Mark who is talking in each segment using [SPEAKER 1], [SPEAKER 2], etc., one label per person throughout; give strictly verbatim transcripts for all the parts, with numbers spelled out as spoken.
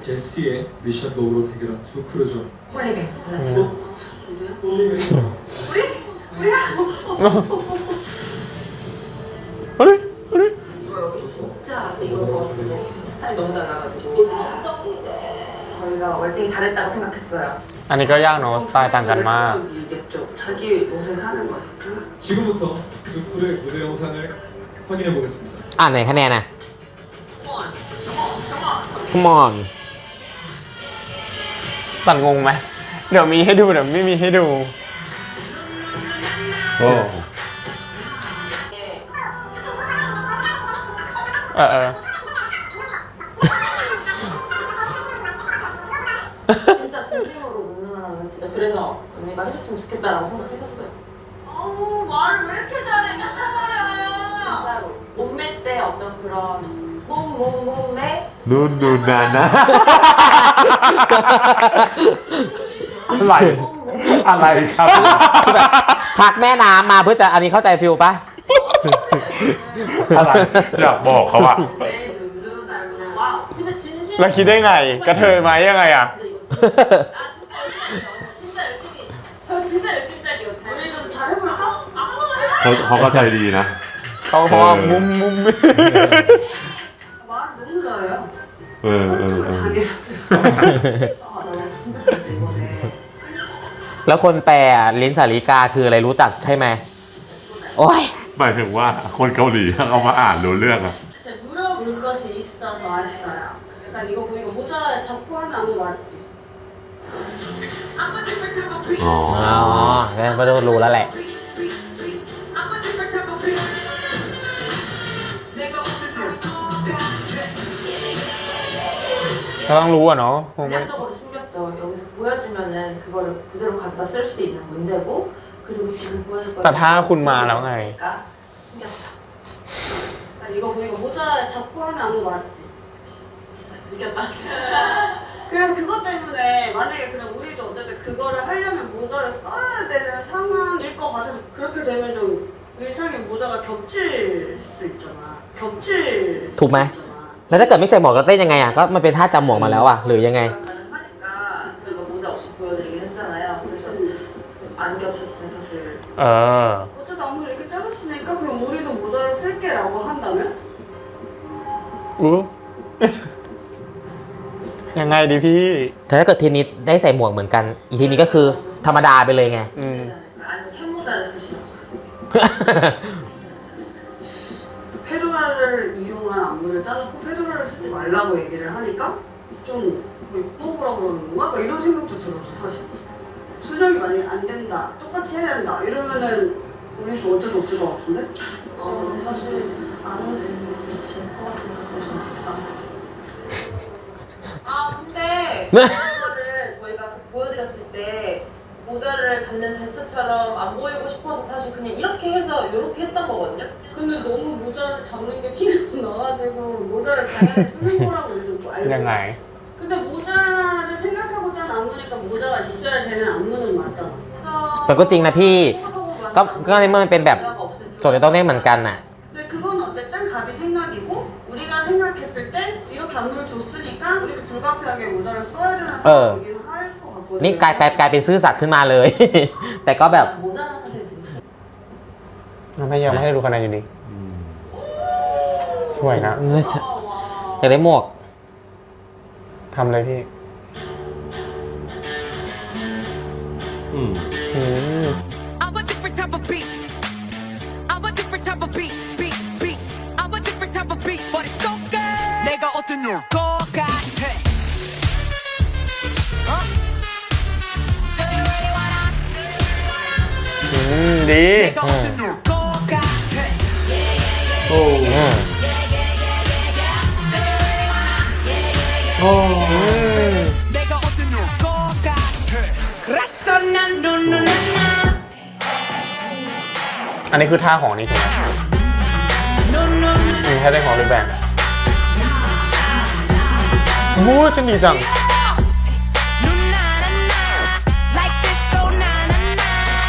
[SPEAKER 1] 제시의 미션 로우로 대결한 두 크루죠.
[SPEAKER 2] 홀리뱅 발라치.
[SPEAKER 1] 홀리뱅.
[SPEAKER 2] 우리? 우리야?
[SPEAKER 3] 그래? 그래?
[SPEAKER 2] 이거 여기 진짜 이거 먹었는데 스타일 너무 달라가지고 저희가 월등히 잘했다고 생각했어요.
[SPEAKER 3] อันนี้ก็ยากเนาะสไตล์ต่างกันมาก
[SPEAKER 4] 이겠죠. 자기 옷에 사는 거니까.
[SPEAKER 1] 지금부터 두 크루의 무대 영상을 확인해 보겠습니다.
[SPEAKER 5] อ่านไหนคะแนนนะ Come on
[SPEAKER 3] ตัดงงไหมเดี๋ยวมีให้ดูเดี๋ยวไม่มีให้ดูโอ้เออเออ
[SPEAKER 2] 진짜 진심으로 누나는 진짜 그래서 언니가 해줬으면 좋겠다라고 생각했었어요.
[SPEAKER 6] 어우 말을 왜 이렇게 잘해 맨날 말이야.
[SPEAKER 2] 진짜로 몸매 때 어떤 그런 몸몸몸매
[SPEAKER 7] ดูดูนานนะ
[SPEAKER 3] อะไรอะไรครับ
[SPEAKER 5] คือแบบชักแม่น้ำมาเพื่อจะอันนี้เข้าใจฟิลปะ
[SPEAKER 3] อะไร
[SPEAKER 7] อยากบอกเขาอะ
[SPEAKER 2] 내 누나는 와 근데 진심
[SPEAKER 3] แล้วคิดได้ไงกระเทยไหมยังไงอ่ะ
[SPEAKER 2] 진짜 열심히 저 진짜 열심히 짤게요. 우리 좀 잘해볼까? 아, 한번
[SPEAKER 7] เขาเขาก็ใจดีนะ
[SPEAKER 3] เขาพอมุมมุม
[SPEAKER 4] 말 너무 잘해요.
[SPEAKER 7] เออเออเออ
[SPEAKER 4] 당연히.
[SPEAKER 2] 아, 나 진짜 잘해 이번에.
[SPEAKER 5] แล้วคนแปลลิ้นสาลิกาคืออะไรรู้จักใช่ไหมโอ้ย
[SPEAKER 7] หมายถึงว่าคนเกาหลีเขามาอ่านรู้เรื่องอะ
[SPEAKER 4] 진짜 물어볼 것이 있어서 왔어요. 약간 이거 보니까 모자 잡고 하는 안무 맞지?
[SPEAKER 7] อ๋อ
[SPEAKER 5] อ๋องั้นก็ต้องรู้แล้วแหละ
[SPEAKER 3] ก็ต้องรู้อ่ะเนาะคงไม่
[SPEAKER 2] 전략적으로 숨겼죠. 여기서 보여주면은 그거를 그대로 가져다 쓸 수도 있는 문제고 그리고 지금 보여줄 거는
[SPEAKER 3] แต่ถ้าคุณมาแล้วไง
[SPEAKER 2] 있으니까 숨겼죠.
[SPEAKER 4] 약간 이거 보니까 모자 잡고 하는 안무 맞지?
[SPEAKER 2] 느꼈다.
[SPEAKER 4] 그냥 그것 때문에 만약에 그냥 우리도 어쨌든 그거를 하려면 모자를 써야 되는 상황일 것 같아서 그렇게 되면 좀 일상의 모자가 겹칠 수 있잖아. 겹칠 수
[SPEAKER 5] ถูกไหม
[SPEAKER 4] 있잖아.
[SPEAKER 5] แล้วถ้าเกิดไม่ใส่หมวกก็เต้นยังไงอ่ะก็มันเป็นท่าจำหมวกมาแล้วอ่ะหรือยังไง
[SPEAKER 2] 가능하니까 저희가 모자 없이 보여드리긴 했잖아요. 그래서 안 겹쳤으면 사실
[SPEAKER 3] เออ
[SPEAKER 4] 어쨌든 아무 이렇게 짜줬으니까 그럼 우리도 모자를 쓸게라고 한다면?
[SPEAKER 3] อู้ ยังไงดีพี่
[SPEAKER 5] แต่ถ้าเกิดทีนี้ได้ใส่หมวกเหมือนกัน อีกทีนี้ก็คือธรรมดาไปเลยไง
[SPEAKER 3] อืม
[SPEAKER 2] 아니면 캔모자를 쓰시면
[SPEAKER 4] 페도라를 이용한 안무를 짜줬고 페도라를 쓰지 말라고 얘기를 하니까 좀 뽑으라 그러는 건가? 막 이런 생각도 들었죠 사실. 수정이 만약에 안 된다, 똑같이 해야 된다 이러면은 우리도 어쩔 수 없을 것 같은데?
[SPEAKER 2] 어, 사실 안 해도 되는 게 진짜 질것 같으니까 그러시면 불쌍해. 아 근데 모자를 저희가 보여드렸을 때 모자를 잡는 제스처럼 안 보이고 싶어서 사실 그냥 이렇게 해서 이렇게 했던 거거든요.
[SPEAKER 4] 근데 너무 모자를 잡는 게 티가 나가지고 모자를 당연히 쓰는 거라고 우리도 알고
[SPEAKER 3] ยังไง
[SPEAKER 4] 근데 모자를 생각하고 짠 안무니까 모자가 있어야 되는 안무는 맞잖아.
[SPEAKER 2] 모자
[SPEAKER 5] แต่ก็จริงนะพี่ ก็
[SPEAKER 2] 생각하고
[SPEAKER 5] ก็ในเมื่อมันเป็นแบบ
[SPEAKER 2] 모자가 없을
[SPEAKER 5] โจทย์จะต้องได้เหมือนกันน่ะ
[SPEAKER 4] 근데 그건 어쨌든 갑이 생각이고 우리가 생각했을 때 이렇게 안무를 줬으니까 우리가 불가피하게 모자를 써야 되는
[SPEAKER 5] 어.
[SPEAKER 4] 상황이긴 할 것 같거든요.
[SPEAKER 5] นี่กลายแปลกลายเป็นซื่อสัตย์ขึ้นมาเลย แต่ก็แบบ
[SPEAKER 2] 모자는 사실 되게
[SPEAKER 3] ไม่ยังไม่ให้ดูคะแนนอยู่ดี
[SPEAKER 7] อืม
[SPEAKER 3] สวยนะ
[SPEAKER 5] จะได้หมวก
[SPEAKER 3] ทำเลยพี่
[SPEAKER 7] อืม
[SPEAKER 3] อืม
[SPEAKER 8] I'm a different type of beast. I'm a different type of beast, beast, beast. I'm a different type of beast, but it's so good. 내가 어떤 것 같아. 어?
[SPEAKER 3] อืมดี
[SPEAKER 8] 내가 어떤 것 같아.
[SPEAKER 7] โอ้
[SPEAKER 5] อืม
[SPEAKER 3] อืม
[SPEAKER 8] 내가 어떤 것 같아. 그래서 난 눈누나나.
[SPEAKER 3] อันนี้คือท่าของนี่ถูกไหมมีท่าเต้นของรูปแบบวู้จะดีจัง
[SPEAKER 8] 누나나나. Like this, so na-na-na.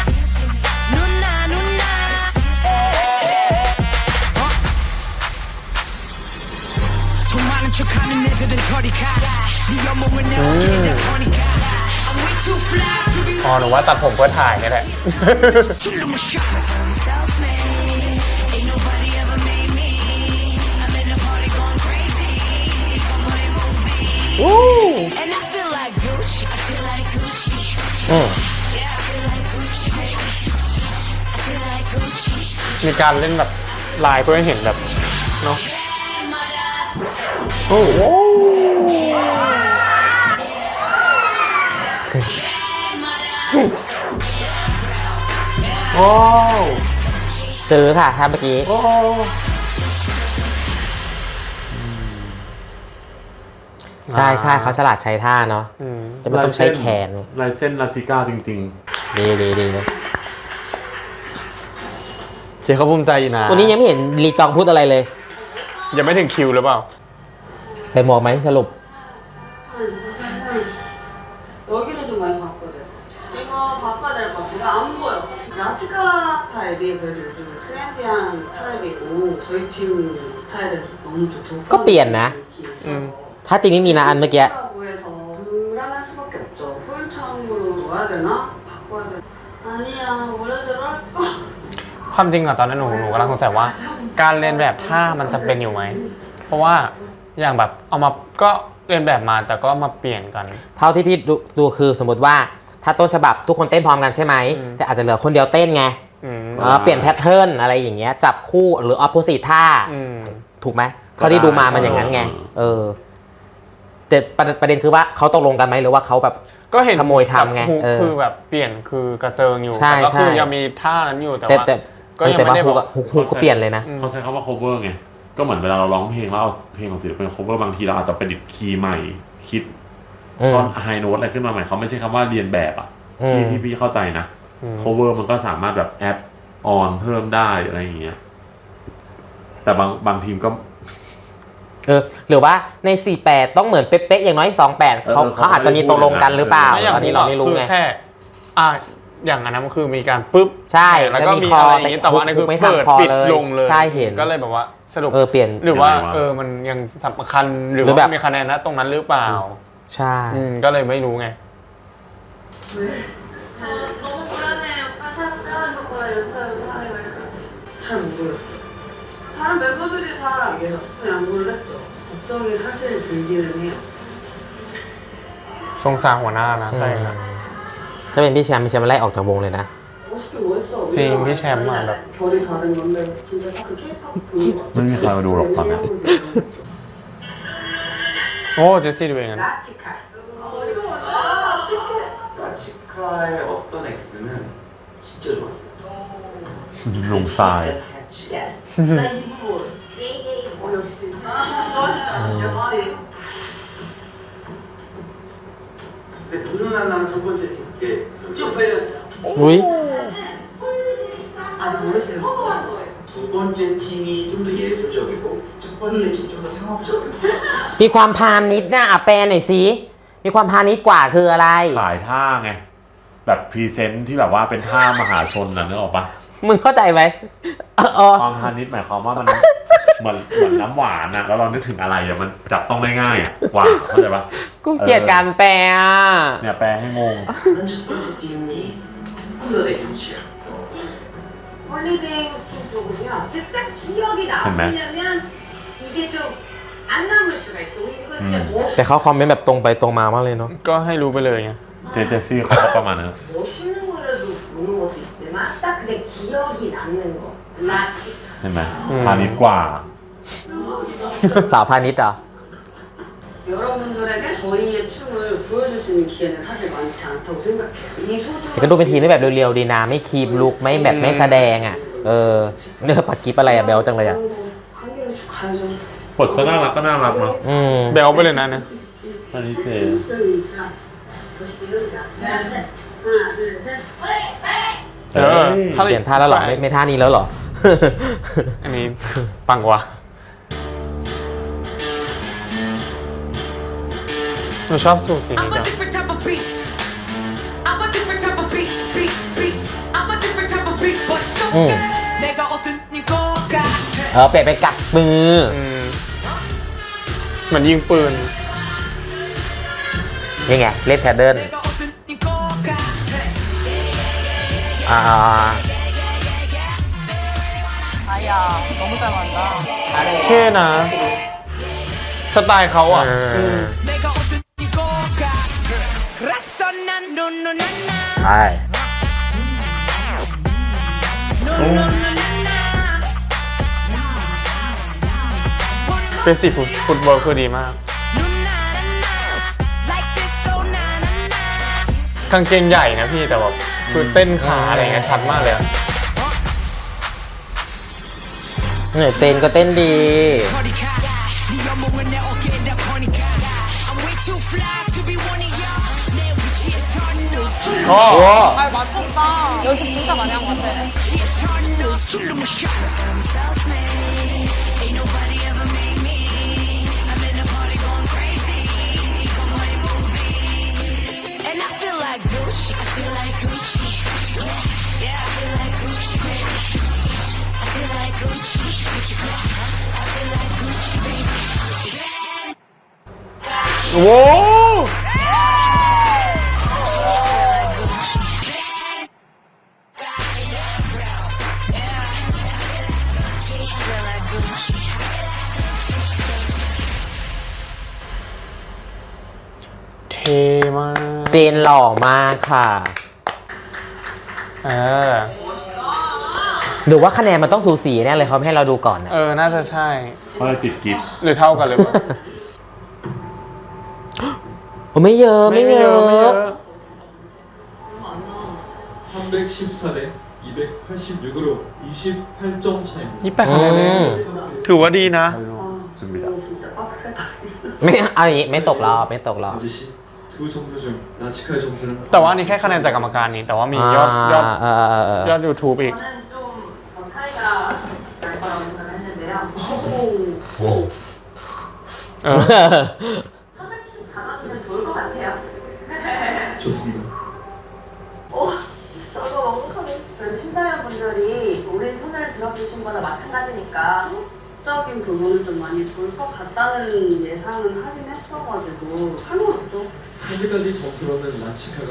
[SPEAKER 8] 누나-누나. 어? 정말 아는 척하는 애들은 저리가 네 연봉은 내 어깨에 다 터니까 I'm way too fly to be
[SPEAKER 3] อ๋อหนูว่าตัดผมเพื่อถ่ายนี่แหละ
[SPEAKER 8] 춤도 못 춰 Cause I'm self-made Ain't nobody ever made me I'm in the party going crazy I'm playing movie And I feel like Gucci I feel like Gucci
[SPEAKER 5] อืม
[SPEAKER 8] Yeah I feel like Gucci I feel like Gucci
[SPEAKER 3] มีการเล่นแบบลายเพื่อให้เห็นแบบเนาะโอ้โหโอ้
[SPEAKER 5] ซื้อค่ะถ้าเมื่อกี้
[SPEAKER 3] โอ้
[SPEAKER 5] ใช่ใช่เขาฉลาดใช้ท่าเนาะ
[SPEAKER 3] อืม
[SPEAKER 5] แต่ไม่ต้องใช้แขน
[SPEAKER 7] ลายเส้นลาชิก้าจริง
[SPEAKER 5] ดีดีดีนะ
[SPEAKER 3] เจ๊เขาภูมิใจอยู่นะ
[SPEAKER 5] วันนี้ยังไม่เห็นลีจองพูดอะไรเลย
[SPEAKER 3] ยังไม่ถึงคิวหรือเปล่า
[SPEAKER 5] ใส่หมวกไหมสรุป
[SPEAKER 4] 여기는 좀 많이 봤거든. 이거 바꿔야 될 것 같아. 이거 안 보여. 라티카 타일이 그래도 요즘 트렌디한 타일이고 저희 팀 타일은 좀 너무 좀 독한
[SPEAKER 5] ก็เปลี่ยนนะ
[SPEAKER 4] 느낌이 있어서
[SPEAKER 3] อืม
[SPEAKER 5] ถ้าติงไม่มีนะอันเมื่อกี้
[SPEAKER 4] 라고 해서 불안할 수밖에 없죠. 풀창으로 놓아야 되나? 바꿔야 되나? 아니야 원래대로 할 거.
[SPEAKER 3] ความจริงอะตอนนั้นหนูหนูกำลังสงสัยว่า การเรียนแบบท่ามันจำเป็นอยู่ไหม เพราะว่าอย่างแบบเอามาก็เรียนแบบมาแต่ก็มาเปลี่ยนกัน
[SPEAKER 5] เท่าที่พี่ดูดูคือสมมติว่าถ้าต้นฉบับทุกคนเต้นพร้อมกันใช่ไหม
[SPEAKER 3] อืม
[SPEAKER 5] แต่อาจจะเหลือคนเดียวเต้นไง
[SPEAKER 3] อืม
[SPEAKER 5] เออเปลี่ยนแพทเทิร์นอะไรอย่างเงี้ยจับคู่หรือ opposite ท่า
[SPEAKER 3] อืม
[SPEAKER 5] ถูกไหมเท่าที่ดูมามันอย่างนั้นไง เออแต่ประประเด็นคือว่าเขาตกลงกันไหมหรือว่าเขาแบบ
[SPEAKER 3] ก็เห็น
[SPEAKER 5] ขโมยทำไง
[SPEAKER 3] แบบฮุก
[SPEAKER 5] เออ
[SPEAKER 3] คือแบบเปลี่ยนคือกระเจิงอยู่
[SPEAKER 5] ใช่
[SPEAKER 3] แต่ก็คือ
[SPEAKER 5] ใช่
[SPEAKER 3] ยังมีท่านั้นอยู่แต่
[SPEAKER 5] แต่
[SPEAKER 3] ว่า
[SPEAKER 5] แต่
[SPEAKER 3] ก็ยัง
[SPEAKER 5] แต่
[SPEAKER 3] ไม่
[SPEAKER 5] ว่า
[SPEAKER 3] ได้
[SPEAKER 5] ฮุ
[SPEAKER 3] บอก
[SPEAKER 5] อะฮุกฮุกก็เปลี่ยนเลยนะ
[SPEAKER 7] ๆ เขาใช้คำว่า cover ไง ก็เหมือนเวลาเราร้องเพลงแล้วเอาเพลงของศิลปิน cover บางทีเราอาจจะประดิษฐ์คีย์ใหม่ คิด
[SPEAKER 5] อืม
[SPEAKER 7] ท่อนไฮโน้ตอะไรขึ้นมาใหม่เขาไม่ใช่คำว่าเรียนแบบอ่ะ
[SPEAKER 5] อืม
[SPEAKER 7] ที่ที่พี่เข้าใจนะ
[SPEAKER 3] อืม
[SPEAKER 7] cover มันก็สามารถแบบแอดออนเพิ่มได้อะไรอย่างเงี้ย แต่บางบางทีมก็
[SPEAKER 5] เออหรือว่าในสี่แปดต้องเหมือนเป๊ะๆอย่างน้อยสองแปดเขา
[SPEAKER 7] เออ
[SPEAKER 5] เขาอาจจะมีตกลงกันหรือเปล่า
[SPEAKER 3] ไม่อย่าง
[SPEAKER 5] ตอนนี้เราไม่รู้
[SPEAKER 3] คือ
[SPEAKER 5] ไง
[SPEAKER 3] แค่อ่าอย่างอันนั้นมันคือมีการปุ๊บ
[SPEAKER 5] ใช่
[SPEAKER 3] แล้วก็
[SPEAKER 5] แล้วมี
[SPEAKER 3] มี
[SPEAKER 5] คอ
[SPEAKER 3] อะไรอย่างงี้
[SPEAKER 5] แต่
[SPEAKER 3] แต่ว่าอันนี้คือ
[SPEAKER 5] ไม่ทำ
[SPEAKER 3] เปิด
[SPEAKER 5] คอ
[SPEAKER 3] ปิด
[SPEAKER 5] เลย
[SPEAKER 3] ลงเลย
[SPEAKER 5] ใช่เห็น
[SPEAKER 3] ก็เลยแบบว่าสรุป
[SPEAKER 5] เออเปลี่ยน
[SPEAKER 3] หรือว่า
[SPEAKER 7] ยังไงวะ
[SPEAKER 3] เออมันยังสำคัญหรือ
[SPEAKER 5] หรือ
[SPEAKER 3] ว่า
[SPEAKER 5] แบบ
[SPEAKER 3] มีคะแนนนะตรงนั้นหรือเปล่า
[SPEAKER 5] ใช่
[SPEAKER 3] อืมก็เลยไม่รู้ไง
[SPEAKER 6] 저 너무 불안해요. 파사스 하는 것보다 연습을 하는 거 이럴 것 같아요.
[SPEAKER 4] 잘 모르겠어. 다른 멤버들이 다 계속 양보를 했죠. 걱정이 사실 들기는 해요.
[SPEAKER 3] สงสารหัวหน้านะ
[SPEAKER 5] อืม
[SPEAKER 3] ใช่นะ
[SPEAKER 5] ถ้าเป็นพี่แชมป์พี่แชมป์ไล่ออกจากวงเลยนะ
[SPEAKER 4] 멋있긴 멋있어.
[SPEAKER 3] 지,
[SPEAKER 4] 우리랑
[SPEAKER 3] 미셸 막 막.
[SPEAKER 4] 결이 다른 건데 진짜 딱 그 K-팝 보는 거 같아.
[SPEAKER 7] ไม่มีใครมาดูหรอกตอนนี้
[SPEAKER 3] โอ้เจสซี่ดูเองอะ
[SPEAKER 4] 라치카. 어 이거 맞아.
[SPEAKER 9] 라치카의 어떤 X는 진짜 좋았어요.
[SPEAKER 7] ลงทราย
[SPEAKER 4] Yes. 나 이거. 어 역시. 역시.
[SPEAKER 9] 근데 눈을 하나는 첫 번째 팀께
[SPEAKER 4] 쭉 벌렸어.
[SPEAKER 5] อุ้ย
[SPEAKER 4] 아직 모르시는 거.
[SPEAKER 9] 두 번째 팀이 좀 더 예술적이고 첫 번째 팀 좀 더 상업적이고
[SPEAKER 5] มีความพาณิชย์นะอ่ะแปลหน่อยสิมีความพาณิชย์กว่าคืออะไร
[SPEAKER 7] ขายท่าไง แบบพรีเซนต์ที่แบบว่าเป็นท่ามหาชนนะนึกออกปะ
[SPEAKER 5] มึงเข้าใจไหมเออเออ
[SPEAKER 7] ความพาณิชย์หมายความว่ามันเหมือนเหมือนน้ำหวานอะแล้วเรานึกถึงอะไรอะมันจับต้องได้ง่ายอะหวานเข้าใจปะ
[SPEAKER 5] กูเกลียดการแปลอ่ะ
[SPEAKER 7] เนี่ยแปลให้งง
[SPEAKER 9] 다른 첫 번째 팀이 홀러데이 팀이야.
[SPEAKER 6] 홀리뱅 팀 쪽은요. 딱 기억이 남으려면 이게 좀 안 남을 수가 있어. 이거 진짜
[SPEAKER 7] 음.
[SPEAKER 6] 멋,
[SPEAKER 5] แต่เขาคอมเมนต์แบบตรงไปตรงมามากเลยเนาะ
[SPEAKER 3] ก็ให้รู้ไปเลยไง
[SPEAKER 7] เจเจซี่เขาก็ประมาณนั้น
[SPEAKER 6] 멋있는 거라도 보는 것도 있지만 딱 그게 기억이 남는 거. 라치.
[SPEAKER 7] เห็นไหม
[SPEAKER 3] อืม
[SPEAKER 7] พาณิชย์กว่า
[SPEAKER 5] สาวพาณิชย์เหรอ
[SPEAKER 4] 여러분들에게 저희의 춤을 보여줄 수 있는 기회는 사실 많지 않다고 생각해요. 이
[SPEAKER 5] แต่ก็ดูเป็นทีมที่แบบเรียวๆดีนะไม่คีบลุกไม่แบบไม่แสดงอ่ะ เออเนื้อปักกิบอะไรอะเบลจังเลยอ่ะ
[SPEAKER 4] 한 개를 쭉 가야죠.
[SPEAKER 7] บทก็น่ารักก็น่ารักเนาะ
[SPEAKER 5] อืม
[SPEAKER 3] เบลไปเลยนะเนี่ย
[SPEAKER 7] อันนี้เจ
[SPEAKER 4] 있으니까 멋있게 해보자. 하나, 둘, 셋.
[SPEAKER 3] เออถ้า
[SPEAKER 5] เปลี่ยนท่าแล้วเหรอไม่ไม่ท่านี้แล้วเหรอ
[SPEAKER 3] อันนี้ปังกว่าหนูชอบสูตรสีนี้
[SPEAKER 8] I'm
[SPEAKER 3] จั
[SPEAKER 8] a
[SPEAKER 3] ง
[SPEAKER 8] different type of beast. I'm a different type of beast, beast, beast. I'm a different type of beast, but it's so
[SPEAKER 5] 음.
[SPEAKER 8] good. 내가 어떤 것 같아.
[SPEAKER 5] เออเปลี่ยนเป็นกัดมือ
[SPEAKER 3] อืมเหมือนยิงปืน
[SPEAKER 5] นี่ไง เล่นแพดเดิลอ่า
[SPEAKER 2] 아야 너무 잘 맞다.
[SPEAKER 3] เท่นะ สไตล์เขาอ่ะ
[SPEAKER 5] เออใช่
[SPEAKER 3] เป็นสิฟุตบอลคือดีมาก กางเกงใหญ่นะพี่แต่แบบคือเต้นขาอะไรเงี้ยชัดมากเลยอะ
[SPEAKER 5] เนี่ยเต้นก็เต้นดี
[SPEAKER 3] โอ้
[SPEAKER 2] 잘 맞췄다. 연습 진짜 많이 한 것 같아.
[SPEAKER 8] And I feel like Gucci. I feel like Gucci. Yeah, I feel like Gucci. I feel like Gucci. I feel like Gucci, baby.
[SPEAKER 3] โว้เท่มาก
[SPEAKER 5] เจนหล่อมากค่ะ
[SPEAKER 3] เออ
[SPEAKER 5] ดูว่าคะแนนมันต้องสูสีแน่เลยเขาไม่ให้เราดูก่อนนะ
[SPEAKER 3] เออ น่าจะใช่
[SPEAKER 7] เพราะเราติดกิฟต์
[SPEAKER 3] หรือเท่ากันหรือเปล่า
[SPEAKER 5] โอ้ไม่เยอะไม่เยอะ
[SPEAKER 1] 삼백십사 대 이백팔십육으로 이십팔 점 차입니다.
[SPEAKER 3] ยี่สิบแปดคะแนนเองถือว่าดีนะ
[SPEAKER 4] 아,
[SPEAKER 7] 준비다.
[SPEAKER 4] 이거 진짜 빡세다.
[SPEAKER 5] ไม่อันนี้ไม่ตกรอบไม่ตกรอบ
[SPEAKER 1] 반드시 두 점수 중 라치카의 점수는
[SPEAKER 3] แต่ว่าอันนี้แค่คะแนนจากกรรมการนี้ แต่ว่ามียอดยอด
[SPEAKER 5] เออเออเออเออย
[SPEAKER 3] อด YouTube อีก
[SPEAKER 2] 저는 좀 더 차이가 날 거라고 생각했는데요.
[SPEAKER 4] 오, 오.
[SPEAKER 3] เออ
[SPEAKER 2] 삼백십사 점이면 좋을 것 같아요.
[SPEAKER 1] 좋습니다.
[SPEAKER 2] 어, 저도 완벽하게. 그래도 심사위원분들이 우리 손을 들어주신 거나 마찬가지니까.
[SPEAKER 4] 적인 부분을 좀 많이 볼 것 같다는 예상은 하긴 했어가지고 할말 없죠.
[SPEAKER 1] 현재까지 점수로는 라치카가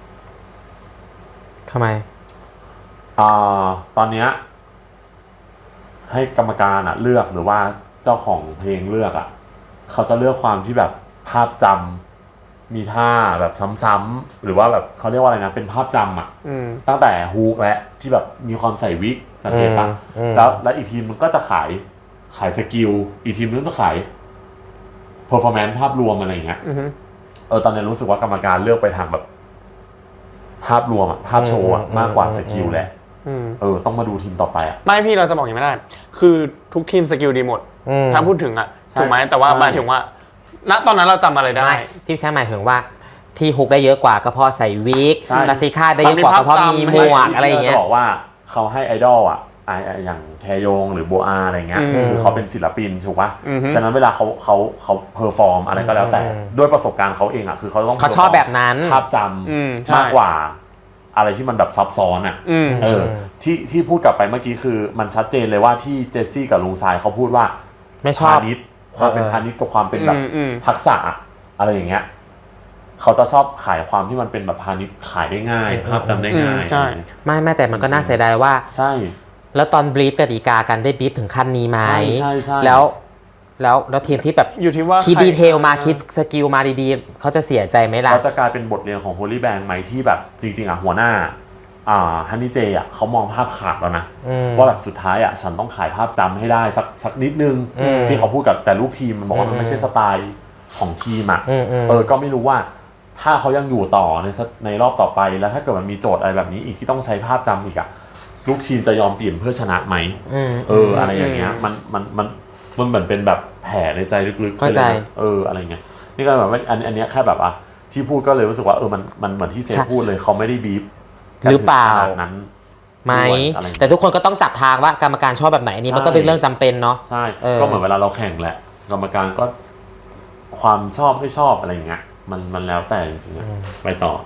[SPEAKER 5] ทำไม
[SPEAKER 7] อ่าตอนเนี้ยให้กรรมการอ่ะเลือกหรือว่าเจ้าของเพลงเลือกอ่ะเขาจะเลือกความที่แบบภาพจำมีท่าแบบซ้ำๆหรือว่าแบบเขาเรียกว่าอะไรนะเป็นภาพจำอ่ะ
[SPEAKER 3] อืม
[SPEAKER 7] ตั้งแต่ฮุกและที่แบบมีความใส่วิกสังเกตปะ
[SPEAKER 5] อืมอืม
[SPEAKER 7] แล้วแล้วอีกทีมมันก็จะขายขายสกิลอีกทีมนึงก็ขายเพอร์ฟอร์แมนซ์ภาพรวมอะไรอย่างเงี้ย
[SPEAKER 3] อือฮึ
[SPEAKER 7] เออตอนนี้รู้สึกว่ากรรมการเลือกไปทางแบบภาพรวมอะภาพโชว์อะมากกว่าสกิลแหละ
[SPEAKER 3] อืม
[SPEAKER 7] เออต้องมาดูทีมต่อไปอะ
[SPEAKER 3] ไม่พี่เราจะบอกอย่างนี้ไม่ได้ คือทุกทีมสกิลดีหมด
[SPEAKER 5] อืม
[SPEAKER 3] ถ้าพูดถึงอ่ะ
[SPEAKER 7] ใช่
[SPEAKER 3] ถูกไหมแต่ว่า
[SPEAKER 7] ใช่
[SPEAKER 3] หมายถึงว่า ณ ตอนนั้นเราจำอะไรได้
[SPEAKER 5] ไม่ที่ใช้หมายถึงว่าที่ฮุกได้เยอะกว่าก็เพราะใส่วิก
[SPEAKER 7] ใช่
[SPEAKER 5] ลาซิค่าได้เยอะกว่าก็เพราะมีหมวกอะไรอย่างเงี้ย
[SPEAKER 7] จะบอกว่าเขาให้ไอดอลอะไอไอ้อย่างแทยงหรือโบอาอะไรเงี้ย
[SPEAKER 3] อืม
[SPEAKER 7] คือเขาเป็นศิลปินถูกปะ
[SPEAKER 3] อือฮึ
[SPEAKER 7] ฉะนั้นเวลาเขาเขาเขาเพอร์ฟอร์มอะไรก็แล้วแต่
[SPEAKER 5] อืม
[SPEAKER 7] ด้วยประสบการณ์เขาเองอะคือเขาต้อง
[SPEAKER 5] เขาชอบแบบนั้น
[SPEAKER 7] ภาพจ
[SPEAKER 3] อืมใช่
[SPEAKER 7] ำมากกว่า อะไรที่มันแบบซับซ้อนอะ
[SPEAKER 3] อืม
[SPEAKER 7] เออที่ที่พูดกลับไปเมื่อกี้คือมันชัดเจนเลยว่าที่เจสซี่กับลุงทรายเขาพูดว่า
[SPEAKER 5] ไม่ชอบ
[SPEAKER 7] พาณิชย์ความเป็น
[SPEAKER 5] เออ
[SPEAKER 7] พาณิชย์กับความเป็นแบบ
[SPEAKER 3] อืมอืม
[SPEAKER 7] ทักษะอะไรอย่างเงี้ยเขาจะชอบขายความที่มันเป็นแบบพาณิชย์ขายได้ง่าย ภาพจำได้ง่าย
[SPEAKER 3] อืมใช่
[SPEAKER 5] ไม่ไม่แต่มันก็น่าเสียดายว่า
[SPEAKER 7] ใช่
[SPEAKER 5] แล้วตอนบรีฟกติกากันได้บรีฟถึงขั้นนี้ไหม
[SPEAKER 7] ใช่ใช่ใช่
[SPEAKER 5] แล้วแล้วแล้วทีมที่แบบ
[SPEAKER 3] อยู่ที่ว่า
[SPEAKER 5] คิด
[SPEAKER 3] ใร
[SPEAKER 5] ดีเทลมาคิดสกิลมาดีๆเขาจะเสียใจไหมล่ะ
[SPEAKER 7] เขาจะกลายเป็นบทเรียนของ Holy Bang ไหมที่แบบจริงๆอ่ะหัวหน้าอ่าฮันนี่เจอ่ะเขามองภาพขาดแล้วนะ
[SPEAKER 5] อืม
[SPEAKER 7] ว่าแบบสุดท้ายอ่ะฉันต้องขายภาพจำให้ได้สักสักนิดนึง
[SPEAKER 5] อืม
[SPEAKER 7] ที่เขาพูดกับแต่ลูกทีมมันบอกว่ามัน
[SPEAKER 5] อืม
[SPEAKER 7] ไม่ใช่สไตล์ของทีมอ่ะ
[SPEAKER 5] อืมอืม
[SPEAKER 7] เออก็ไม่รู้ว่าถ้าเขายังอยู่ต่อในสในรอบต่อไปแล้วถ้าเกิดมันมีโจทย์อะไรแบบนี้อีกที่ต้องใช้ภาพจำอีกอ่ะลูกทีมจะยอมเปลี่ยนเพื่อชนะไหม
[SPEAKER 5] อืม
[SPEAKER 7] เอออะไรอย่างเงี้ยมันมันมันมันเหมือนเป็นแบบแผลในใจลึกๆ
[SPEAKER 5] เข้าใจ
[SPEAKER 7] ไปลยนะเอออะไรเงี้ยนี่ก็แบบว่าอันอันเนี้ยแค่แบบอ่ะที่พูดก็เลยรู้สึกว่าเออมันมันเหมือนที่เซฟพูดเลยเขาไม่ได้บีบ
[SPEAKER 5] หรือเปล่า
[SPEAKER 7] ขนาดนั้น
[SPEAKER 5] ไหม
[SPEAKER 7] ด้วยอะไรเงี้ย
[SPEAKER 5] แต่ทุกคนก็ต้องจับทางว่ากรรมการชอบแบบไหนอันนี้มันก็เป็นเรื่องจำเป็นเนาะ
[SPEAKER 7] ใช่
[SPEAKER 5] เออ
[SPEAKER 7] ก็เหมือนเวลาเราแข่งแหละกรรมการก็ความชอบไม่ชอบอะไรเงี้ยมันมันแล้วแต่จริงๆอะไปต่อ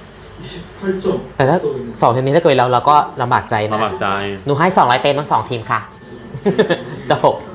[SPEAKER 1] 이십팔 점
[SPEAKER 5] แต่ถ้า
[SPEAKER 1] 앞서고 있는
[SPEAKER 5] สองทีมนี้ถ้าเกิดเราเราก็ลำบากใจนะ
[SPEAKER 7] ลำบากใจ
[SPEAKER 5] หนูให้สองร้อยเต็มทั้งสองทีมค่ะ จบ